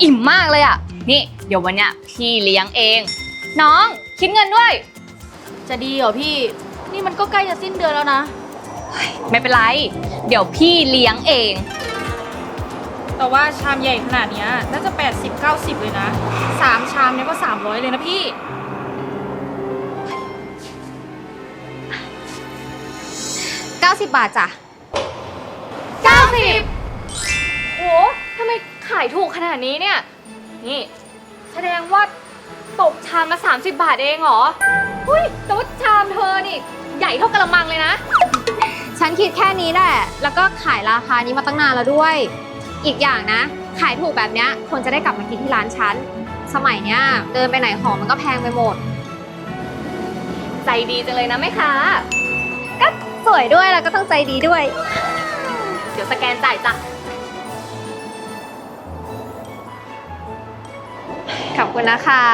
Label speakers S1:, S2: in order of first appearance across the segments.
S1: อิ่มมากเลยอ่ะนี่เดี๋ยววันเนี้ยพี่เลี้ยงเองน้องคิดเงินด้วย
S2: จะดีเหรอพี่นี่มันก็ใกล้จะสิ้นเดือนแล้วนะ
S1: ไม่เป็นไรเดี๋ยวพี่เลี้ยงเอง
S2: แต่ว่าชามใหญ่ขนาดนี้น่าจะ80-90เลยนะ3ชามเนี่ยก็300เลยนะพี่
S1: 90 บาทจ้ะ90โหทำไมขายถูกขนาดนี้เนี่ยนี่แสดงว่าตกชามละ30 บาทเองเหรอหุ้ยแต่ว่าชามเธอนี่ใหญ่เท่ากระมังเลยนะ
S3: ฉันคิดแค่นี้แหละแล้วก็ขายราคานี้มาตั้งนานแล้วด้วยอีกอย่างนะขายถูกแบบเนี้ยคนจะได้กลับมากินที่ร้านฉันสมัยเนี้ยเดินไปไหนของมันก็แพงไปหมด
S1: ใจดีจังเลยนะแม่ค้า
S3: ก็สวยด้วยแล้วก็ต้องใจดีด้วย
S1: เดี๋ยวสแกนจ่ายจ้ะ
S3: ขอบคุณนะคะ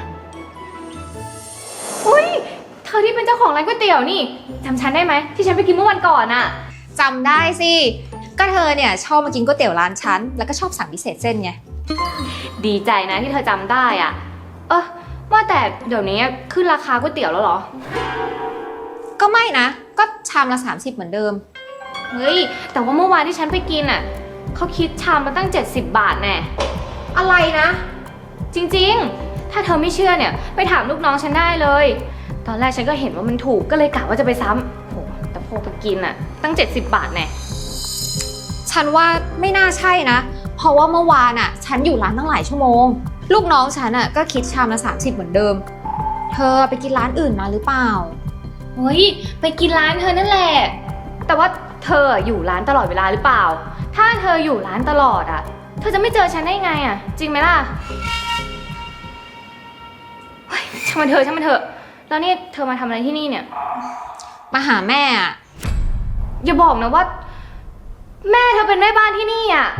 S1: อุ้ยเธอที่เป็นเจ้าของร้านก๋วยเตี๋ยวนี่จำฉันได้ไหมที่ฉันไปกินเมื่อวันก่อนอะ
S3: จำได้สิก็เธอเนี่ยชอบมากินก๋วยเตี๋ยวร้านฉันแล้วก็ชอบสั่งพิเศษเส้นไง
S1: ดีใจนะที่เธอจำได้อ่ะว่าแต่เดี๋ยวนี้ขึ้นราคาก๋วยเตี๋ยวแล้วเหรอ
S3: ก็ไม่นะก็ชามละ30เหมือนเดิม
S1: เฮ้ยแต่ว่าเมื่อวานที่ฉันไปกินอ่ะเขาคิดชามละตั้ง70 บาทแน่
S3: อะไรนะ
S1: จริงๆถ้าเธอไม่เชื่อเนี่ยไปถามลูกน้องฉันได้เลยตอนแรกฉันก็เห็นว่ามันถูกก็เลยกะว่าจะไปซ้ำโหแต่พอไปกินอ่ะตั้ง70 บาทแน่
S3: ฉันว่าไม่น่าใช่นะเพราะว่าเมื่อวานอ่ะฉันอยู่ร้านตั้งหลายชั่วโมงลูกน้องฉันอ่ะก็คิดชามละ30เหมือนเดิมเธอไปกินร้านอื่นมาหรือเปล่า
S1: เฮ้ยไปกินร้านเธอนั่นแหละแต่ว่าเธออยู่ร้านตลอดเวลาหรือเปล่าถ้าเธออยู่ร้านตลอดอ่ะเธอจะไม่เจอฉันได้ไงอ่ะจริงไหมล่ะเฮ้ยช่างมันเถอะแล้วนี่เธอมาทำอะไรที่นี่เนี่ย
S3: มาหาแม่อ่ะ
S1: อย่าบอกนะว่าแม่เธอเป็นแม่บ้านที่นี่อ่ะ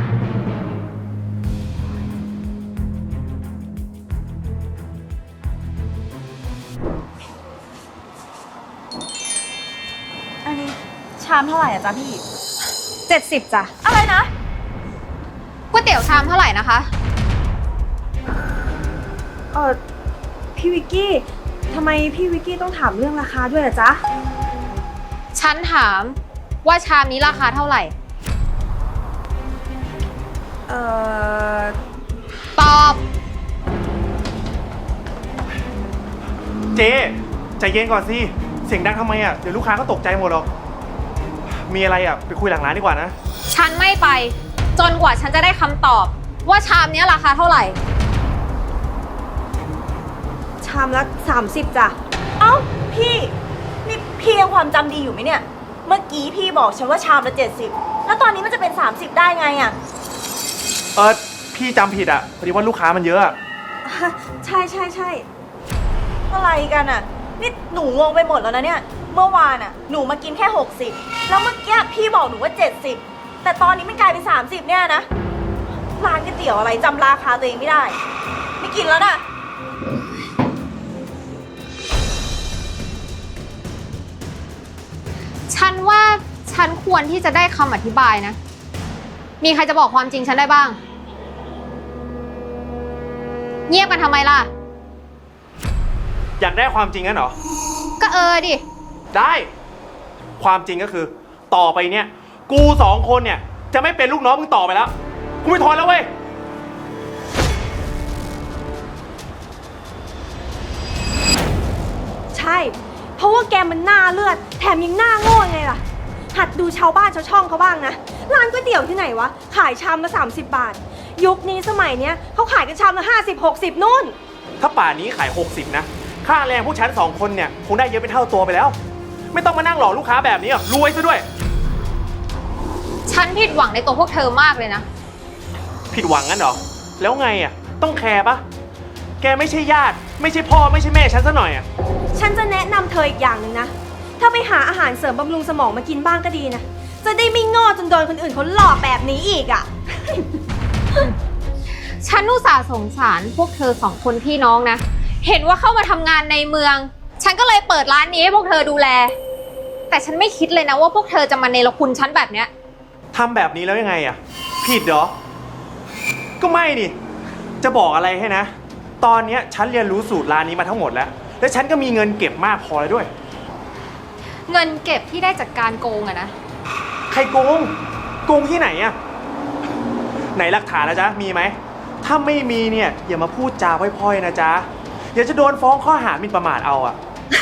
S2: อันนี้ชามเท่าไหร่อะจ๊ะพี่
S3: 70จ้ะ
S2: อะไรนะ
S3: ก๋วยเตี๋ยวชามเท่าไหร่นะคะ
S2: พี่วิกกี้ทำไมพี่วิกกี้ต้องถามเรื่องราคาด้วยล่ะจ๊ะ
S3: ฉันถามว่าชามนี้ราคาเท่าไหร่ตอบ
S4: เจ๊ใจเย็นก่อนสิเสียงดังทำไมอ่ะเดี๋ยวลูกค้าก็ตกใจหมดหรอกมีอะไรอ่ะไปคุยหลังร้านดีกว่านะ
S3: ฉันไม่ไปจนกว่าฉันจะได้คำตอบว่าชามนี้ราคาเท่าไหร่
S2: ชามละ30จ้ะเอ้าพี่นี่พี่ยังความจำดีอยู่ไหมเนี่ยเมื่อกี้พี่บอกฉันว่าชามละ70แล้วตอนนี้มันจะเป็น30ได้ไงอ่ะ
S4: พี่จำผิดอ่ะพอดีว่าลูกค้ามันเยอะ
S2: ใช่อะไรกันอ่ะนี่หนูงงไปหมดแล้วนะเนี่ยเมื่อวานอ่ะหนูมากินแค่60แล้วเมื่อกี้พี่บอกหนูว่า70แต่ตอนนี้มันกลายเป็น30เนี่ยนะร้านก๋วยเตี๋ยวอะไรจำราคาตัวเองไม่ได้ไม่กินแล้วนะ
S3: ฉันว่าฉันควรที่จะได้คำอธิบายนะมีใครจะบอกความจริงฉันได้บ้างเงียบกันทำไมล่ะ
S4: อยากได้ความจริงงั้นเหรอ
S3: ก็ดิ
S4: ได้ความจริงก็คือต่อไปเนี่ยกู2 คนเนี่ยจะไม่เป็นลูกน้องมึงต่อไปแล้วกูไม่ทนแล้วเว้ย
S2: ใช่เพราะว่าแกมันหน้าเลือดแถมยังหน้าโง่ไงล่ะหัดดูชาวบ้านชาวช่องเขาบ้างนะร้านก๋วยเตี๋ยวที่ไหนวะขายชามละ30 บาทยุคนี้สมัยเนี้ยเขาขายกันชามละ50-60นู่น
S4: ถ้าป่านนี้ขาย60นะค่าแรงผู้ฉัน2 คนเนี่ยคงได้เยอะเป็นเท่าตัวไปแล้วไม่ต้องมานั่งหลอกลูกค้าแบบนี้หรอกรวยซะด้วย
S3: ฉันผิดหวังในตัวพวกเธอมากเลยนะ
S4: ผิดหวังงั้นเหรอแล้วไงอ่ะต้องแคร์ปะแกไม่ใช่ญาติไม่ใช่พ่อไม่ใช่แม่ฉันซะหน่อยอ่ะ
S2: ฉันจะแนะนำเธออีกอย่างหนึ่งนะถ้าไปหาอาหารเสริมบำรุงสมองมากินบ้างก็ดีนะจะได้ไม่โง่จนโดนคนอื่นเขาหลอกแบบนี้อีกอ่ะ
S3: ฉันอุตส่าห์สงสารพวกเธอ2 คนพี่น้องนะเห็นว่าเข้ามาทำงานในเมืองฉันก็เลยเปิดร้านนี้ให้พวกเธอดูแลแต่ฉันไม่คิดเลยนะว่าพวกเธอจะมาเนรคุณฉันแบบเนี้ย
S4: ทำแบบนี้แล้วยังไงอ่ะผิดเหรอก็ไม่นี่จะบอกอะไรให้นะ ตอนเนี้ยฉันเรียนรู้สูตรร้านนี้มาทั้งหมดแล้ว และฉันก็มีเงินเก็บมากพอแล้วด้วย
S3: เงินเก็บที่ได้จากการโกงอะนะ
S4: ใครโกง โกงที่ไหนอะไหนหลักฐานนะจ๊ะ มีไหม ถ้าไม่มีเนี่ยอย่ามาพูดจาพร่อยๆนะจ๊ะ เดี๋ยวจะโดนฟ้องข้อหาหมิ่นประมาทเอาอะ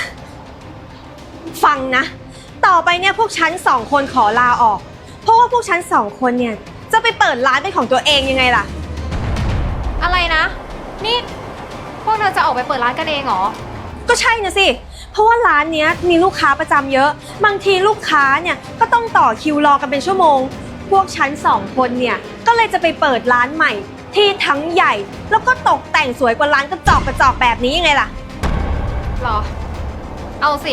S5: ฟังนะ ต่อไปเนี่ยพวกฉัน2 คนขอลาออก เพราะว่าพวกฉัน2 คนเนี่ยจะไปเปิดร้านเป็นของตัวเองยังไงล่ะ
S3: อะไรนะ นี่พวกเธอจะออกไปเปิดร้านกันเองเหรอ
S5: ก็ใช่นะสิ เพราะว่าร้านเนี้ยมีลูกค้าประจำเยอะ บางทีลูกค้าเนี่ยก็ต้องต่อคิวรอกันเป็นชั่วโมง พวกฉัน2 คนเนี่ยก็เลยจะไปเปิดร้านใหม่ ที่ทั้งใหญ่ แล้วก็ตกแต่งสวยกว่าร้านกระจอกแบบนี้ยังไงล่ะ
S3: หรอ เอาสิ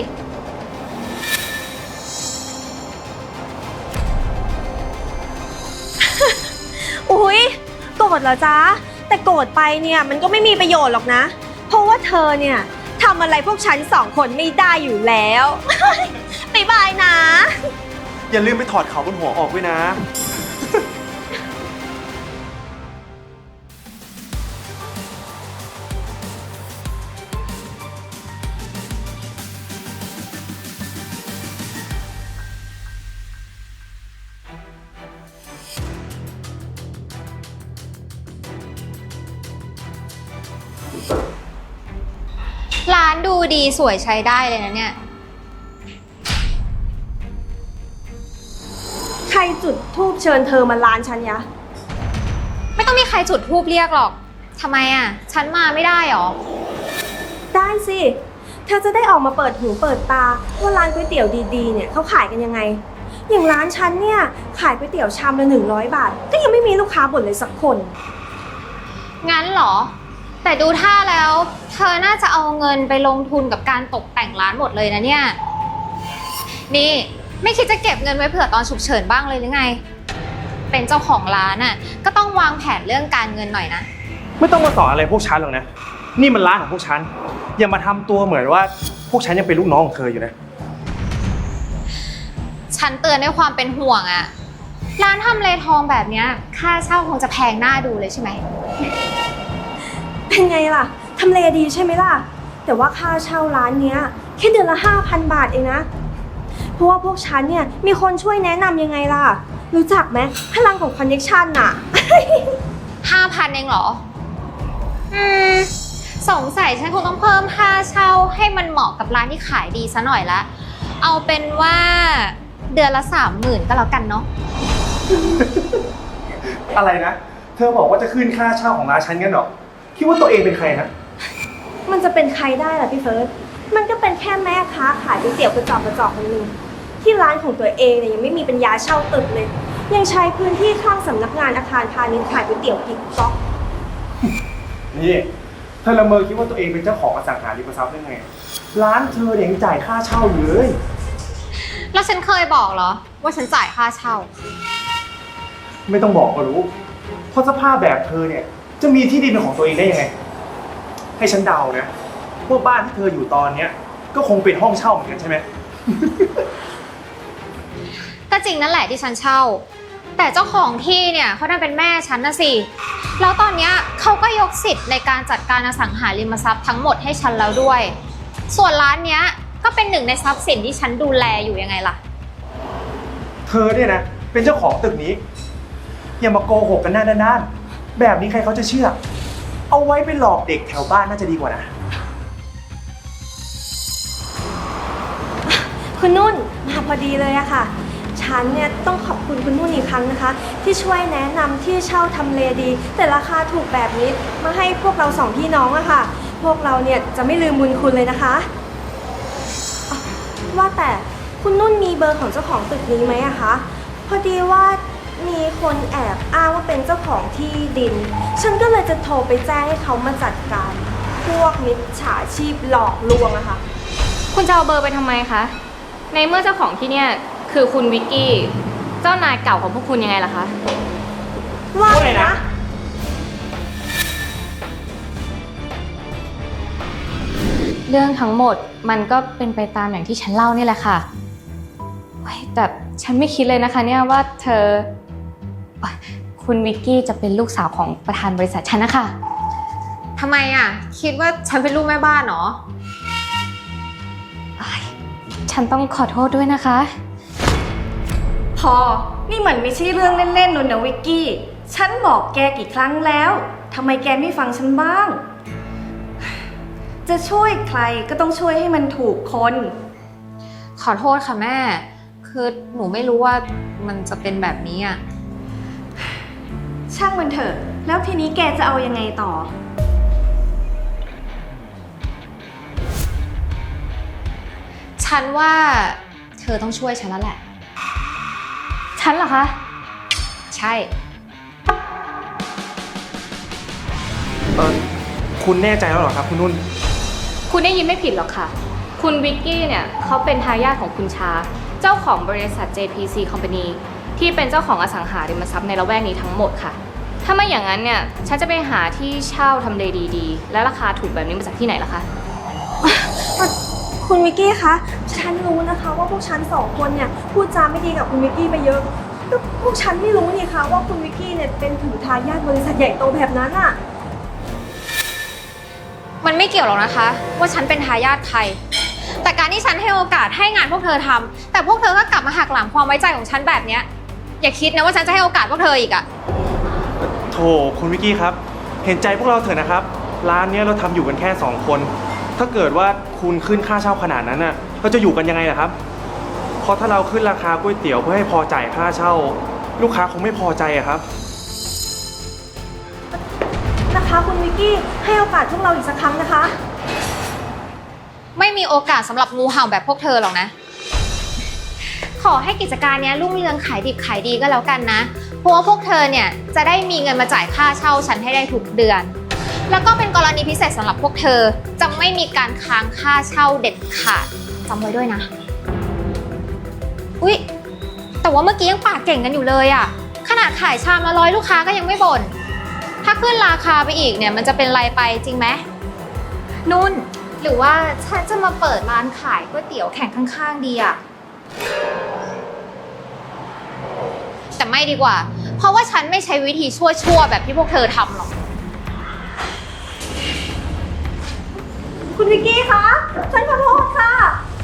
S5: อุ๊ยโกรธเหรอจ๊ะ แต่โกรธไปเนี่ยมันก็ไม่มีประโยชน์หรอกนะ เพราะว่าเธอเนี่ยทำอะไรพวกฉัน2 คนไม่ได้อยู่แล้ว บ๊ายบายนะ
S4: อย่าลืมไปถอดเขาบนหัวออกด้วยนะ
S3: ร้านดูดีสวยใช้ได้เลยนะเนี่ย
S5: ใครจุดธูปเชิญเธอมาร้านฉันยะ
S3: ไม่ต้องมีใครจุดธูปเรียกหรอก ทำไมอะฉันมาไม่ได้หรอ
S5: ได้สิ เธอจะได้ออกมาเปิดหูเปิดตาว่าร้านก๋วยเตี๋ยวดีๆเนี่ยเขาขายกันยังไง อย่างร้านฉันเนี่ยขายก๋วยเตี๋ยวชามละ100 บาท ก็ยังไม่มีลูกค้าบ่นเลยสักคน
S3: งั้นเหรอ แต่ดูท่าแล้ว เธอน่าจะเอาเงินไปลงทุนกับการตกแต่งร้านหมดเลยนะเนี่ย นี่ไม่คิดจะเก็บเงินไว้เผื่อตอนฉุกเฉินบ้างเลยหรือไง เป็นเจ้าของร้านน่ะก็ต้องวางแผนเรื่องการเงินหน่อยนะ
S4: ไม่ต้องมาสอนอะไรพวกฉันหรอกนะ นี่มันร้านของพวกฉัน อย่ามาทำตัวเหมือนว่าพวกฉันยังเป็นลูกน้องของเธออยู่นะ
S3: ฉันเตือนด้วยความเป็นห่วงอะร้านทำเลทองแบบเนี้ยค่าเช่าคงจะแพงหน้าดูเลยใช่ไหม
S5: เป็นไงล่ะ ทำเลดีใช่ไหมล่ะ แต่ว่าค่าเช่าร้านเนี้ยแค่เดือนละ 5,000 บาทเองนะ เพราะว่าพวกฉันเนี่ยมีคนช่วยแนะนำยังไงล่ะ รู้จักไหมพลังของคอนเนคชั่นน่ะ
S3: 5,000เองเหรอ สงสัยฉันคงต้องเพิ่มค่าเช่าให้มันเหมาะกับร้านที่ขายดีซะหน่อยละ เอาเป็นว่าเดือนละ 30,000ก็แล้วกันเนาะ
S4: อะไรนะ เธอบอกว่าจะขึ้นค่าเช่าของร้านฉันกันเหรอ คิดว่าตัวเองเป็นใครนะ
S5: มันจะเป็นใครได้ล่ะพี่เฟิร์ส มันก็เป็นแค่แม่ค้าขายก๋วยเตี๋ยวกระจอกคนหนึ่งที่ร้านของตัวเองเนี่ยยังไม่มีปัญญาเช่าตึกเลย ยังใช้พื้นที่ข้างสำนักงานอาคารพาณิชย์ขายก๋วยเตี๋ยวอีกก๊อก
S4: นี่เธอละเมอคิดว่าตัวเองเป็นเจ้าของอสังหาริมทรัพย์ได้ไง ร้านเธอเนี่ยยังจ่ายค่าเช่าอยู่เลย
S3: แล้วฉันเคยบอกเหรอ ว่าฉันจ่ายค่าเช่า
S4: ไม่ต้องบอกก็รู้ เพราะสภาพแบบเธอเนี่ยจะมีที่ดินเป็นของตัวเองได้ยังไง ให้ฉันเดานะพวกบ้านที่เธออยู่ตอนเนี้ยก็คงเป็นห้องเช่าเหมือนกันใช่ไหม
S3: ก็จริงนั่นแหละที่ฉันเช่า แต่เจ้าของที่เนี่ยเขาดันเป็นแม่ฉันนะสิ แล้วตอนเนี้ยเขาก็ยกสิทธิ์ในการจัดการอสังหาริมทรัพย์ทั้งหมดให้ฉันแล้วด้วย ส่วนร้านเนี้ยก็เป็นหนึ่งในทรัพย์สินที่ฉันดูแลอยู่ยังไงล่ะ
S4: เธอเนี่ยนะเป็นเจ้าของตึกนี้ อย่ามาโกหกกันหน้าด้านๆแบบนี้ใครเขาจะเชื่อ เอาไว้ไปหลอกเด็กแถวบ้านน่าจะดีกว่านะ
S5: คุณนุ่นมาพอดีเลยอะค่ะ ฉันเนี่ยต้องขอบคุณคุณนุ่นอีกครั้งนะคะ ที่ช่วยแนะนำที่เช่าทำเลดี แต่ราคาถูกแบบนี้มาให้พวกเรา2 พี่น้องอะค่ะ พวกเราเนี่ยจะไม่ลืมบุญคุณเลยนะคะอ๋อว่าแต่คุณนุ่นมีเบอร์ของเจ้าของตึกนี้ไหมอะคะพอดีว่ามีคนแอบอ้างว่าเป็นเจ้าของที่ดิน ฉันก็เลยจะโทรไปแจ้งให้เขามาจัดการ พวกมิจฉาชีพหลอกลวงอะค่ะ
S1: คุณจะเอาเบอร์ไปทำไมคะ ในเมื่อเจ้าของที่เนี่ยคือคุณวิกกี้ เจ้านายเก่าของพวกคุณยังไงล่ะคะ
S5: ว่าไงนะ
S1: เรื่องทั้งหมดมันก็เป็นไปตามอย่างที่ฉันเล่านี่แหละค่ะเฮ้ยแต่ฉันไม่คิดเลยนะคะเนี่ยว่าคุณวิกกี้จะเป็นลูกสาวของประธานบริษัทฉันนะคะ
S3: ทำไมอ่ะ คิดว่าฉันเป็นลูกแม่บ้านเหรอ
S1: ฉันต้องขอโทษด้วยนะคะ
S5: พอ นี่มันไม่ใช่เรื่องเล่นๆนะวิกกี้ ฉันบอกแกกี่ครั้งแล้วทำไมแกไม่ฟังฉันบ้าง จะช่วยใครก็ต้องช่วยให้มันถูกคน
S3: ขอโทษค่ะแม่ คือหนูไม่รู้ว่ามันจะเป็นแบบนี้อ่ะ
S5: ช่างมันเถอะ แล้วทีนี้แกจะเอายังไงต่อ
S3: ฉันว่าเธอต้องช่วยฉันแล้วแหละ
S1: ฉันเหรอคะ
S3: ใช่
S4: คุณแน่ใจแล้วเหรอครับคุณนุ่น
S1: คุณได้ยินไม่ผิดหรอกค่ะ คุณวิกกี้เนี่ยเขาเป็นทายาทของคุณชา เจ้าของบริษัท JPC Company ที่เป็นเจ้าของอสังหาริมทรัพย์ในละแวกนี้ทั้งหมดค่ะ ถ้าไม่อย่างนั้นเนี่ย ฉันจะไปหาที่เช่าทำเลดีๆ และราคาถูกแบบนี้มาจากที่ไหนล่ะคะ
S5: คุณวิกกี้คะ ฉันรู้นะคะว่าพวกฉันสองคนเนี่ยพูดจาไม่ดีกับคุณวิกกี้ไปเยอะแต่พวกฉันไม่รู้นี่คะว่าคุณวิกกี้เนี่ยเป็นถึงทายาทบริษัทใหญ่โตแบบนั้นอะ
S3: มันไม่เกี่ยวหรอกนะคะ ว่าฉันเป็นทายาทใคร แต่การที่ฉันให้โอกาสให้งานพวกเธอทำแต่พวกเธอก็กลับมาหักหลังความไว้ใจของฉันแบบเนี้ยอย่าคิดนะว่าฉันจะให้โอกาสพวกเธออีกอะ
S4: โถคุณวิกกี้ครับ เห็นใจพวกเราเถอะนะครับ ร้านเนี้ยเราทำอยู่กันแค่2 คน ถ้าเกิดว่าคุณขึ้นค่าเช่าขนาดนั้นน่ะเราจะอยู่กันยังไงล่ะครับ เพราะถ้าเราขึ้นราคาก๋วยเตี๋ยวเพื่อให้พอจ่ายค่าเช่า ลูกค้าคงไม่พอใจอะครับ
S5: นะคะคุณวิกกี้ให้โอกาสพวกเราอีกสักครั้งนะคะ
S3: ไม่มีโอกาสสำหรับงูเห่าแบบพวกเธอหรอกนะ ขอให้กิจการเนี้ยรุ่งเรืองขายดิบขายดีก็แล้วกันนะ เพราะว่าพวกเธอเนี่ยจะได้มีเงินมาจ่ายค่าเช่าฉันให้ได้ทุกเดือน แล้วก็เป็นกรณีพิเศษสำหรับพวกเธอจะไม่มีการค้างค่าเช่าเด็ดขาดจำไว้ด้วยนะ อุ๊ย แต่ว่าเมื่อกี้ยังปากเก่งกันอยู่เลยอะขนาดขายชามละ100ลูกค้าก็ยังไม่บ่น ถ้าขึ้นราคาไปอีกเนี่ยมันจะเป็นไรไปจริงไหมนุ่น หรือว่าฉันจะมาเปิดร้านขายก๋วยเตี๋ยวแข่งข้างๆดีอะแต่ไม่ดีกว่า เพราะว่าฉันไม่ใช้วิธีชั่วๆแบบที่พวกเธอทำหรอก
S5: คุณวิกกี้คะ ฉันขอโทษค่ะ